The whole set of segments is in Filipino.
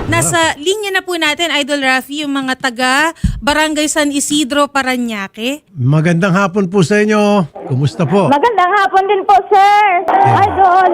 Nasa linya na po natin, Idol Rafi, yung mga taga Barangay San Isidro, Parañaque. Magandang hapon po sa inyo. Kumusta po? Magandang hapon din po, sir. Idol.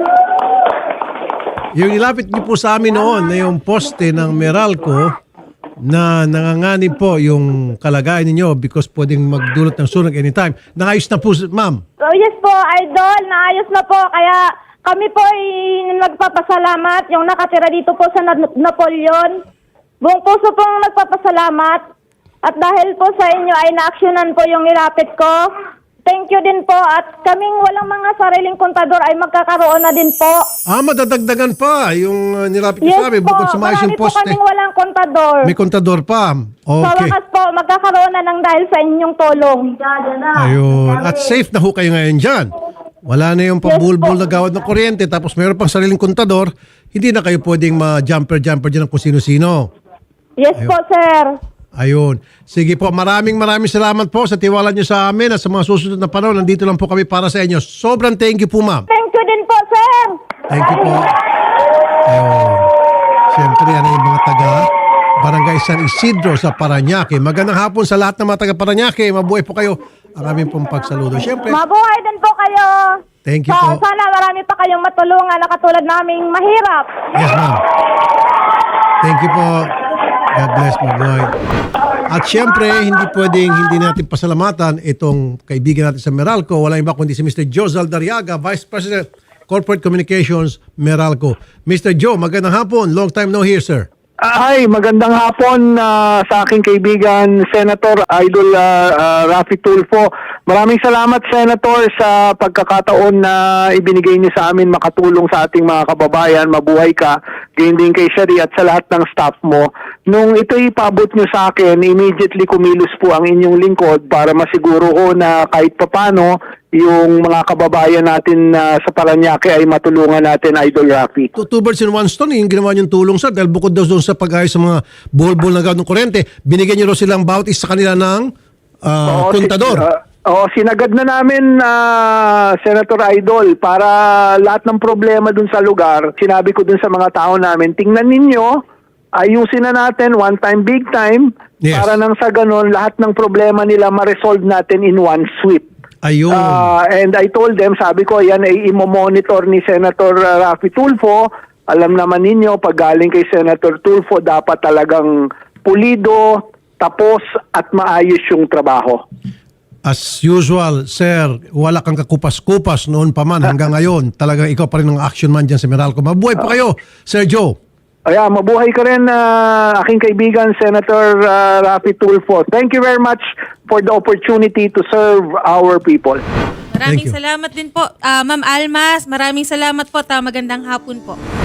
Yung ilapit niyo po sa amin noon na yung poste ng Meralco na nanganganib po yung kalagayan ninyo because pwedeng magdulot ng sunog anytime. Nakayos na po, ma'am. Oh, yes po, Idol. Naayos na po. Kaya kami po ay nagpapasalamat. Yung nakatira dito po sa Napoleon. Buong puso pong nagpapasalamat. At dahil po sa inyo ay na-actionan po yung nilapit ko. Thank you din po. At kaming walang mga sariling kontador ay magkakaroon na din po. Madadagdagan pa yung nilapit niyo sa amin bukod sa maayos yung marami po poste. kaming walang kontador. May kontador pa. Sa Okay. wakas po, magkakaroon na ng dahil sa inyong tulong. Ayun. At safe na ho kayo ngayon dyan. Wala na yung pambulbul na gawad ng kuryente tapos mayroon pang sariling kontador, hindi na kayo pwedeng ma-jumper dyan ng kung sino-sino. Yes po, sir. Ayun. Sige po, maraming salamat po sa tiwala niyo sa amin at sa mga susunod na panahon. Nandito lang po kami para sa inyo. Sobrang thank you po, ma'am. Thank you din po, sir. Thank you po. Ayun. Siyempre, yan ay yung mga taga Barangay San Isidro sa Parañaque. Magandang hapon sa lahat ng mga taga Parañaque. Mabuhay po kayo. Ang aming pong pagsaludo. Siyempre, Mabuhay din po kayo. thank you po. Sana marami pa kayong matulungan na katulad naming mahirap. Yes, ma'am. Thank you po. God bless, mabuhay. At siyempre, hindi natin pasalamatan itong kaibigan natin sa Meralco. Walang iba kundi si Mr. Joe Zaldariaga, Vice President, Corporate Communications, Meralco. Mr. Joe, magandang hapon. Long time no hear, sir. Hi, magandang hapon sa aking kaibigan, Senator Idol Rafi Tulfo. Maraming salamat, Senator, sa pagkakataon na ibinigay niyo sa amin makatulong sa ating mga kababayan. Mabuhay ka, gayon din kay Shari at sa lahat ng staff mo. Nung ito ipabot niyo sa akin, immediately kumilos po ang inyong lingkod para masiguro ko na kahit papano yung mga kababayan natin sa Parañaque ay matulungan natin, Idol Rafi. Two birds in one stone, yung ginawa niyong tulong, sir. Dahil bukod daw doon sa pag-ayos sa mga bol-bol na gawad ng kurente, binigyan niyo raw silang bawat isa sa kanila ng kontador. Sinagad na namin, Senator Idol, para lahat ng problema dun sa lugar, sinabi ko dun sa mga tao namin, tingnan ninyo, ayusin na natin, one time, big time, Yes. para nang sa ganun, lahat ng problema nila ma-resolve natin in one sweep. Ayun. And I told them, sabi ko, yan ay imo-monitor ni Senator Rafi Tulfo. Alam naman ninyo, pag galing kay Senator Tulfo, dapat talagang pulido, tapos at maayos yung trabaho. As usual, sir, wala kang kakupas-kupas noon pa man hanggang ngayon. Talagang ikaw pa rin ang action man dyan sa Meralco. Mabuhay pa kayo, Sir Joe. Kaya mabuhay ka rin, aking kaibigan, Senator Rafi Tulfo. Thank you very much for the opportunity to serve our people. Maraming Thank you. salamat din po. Ma'am Almas, maraming salamat po. Magandang hapon po.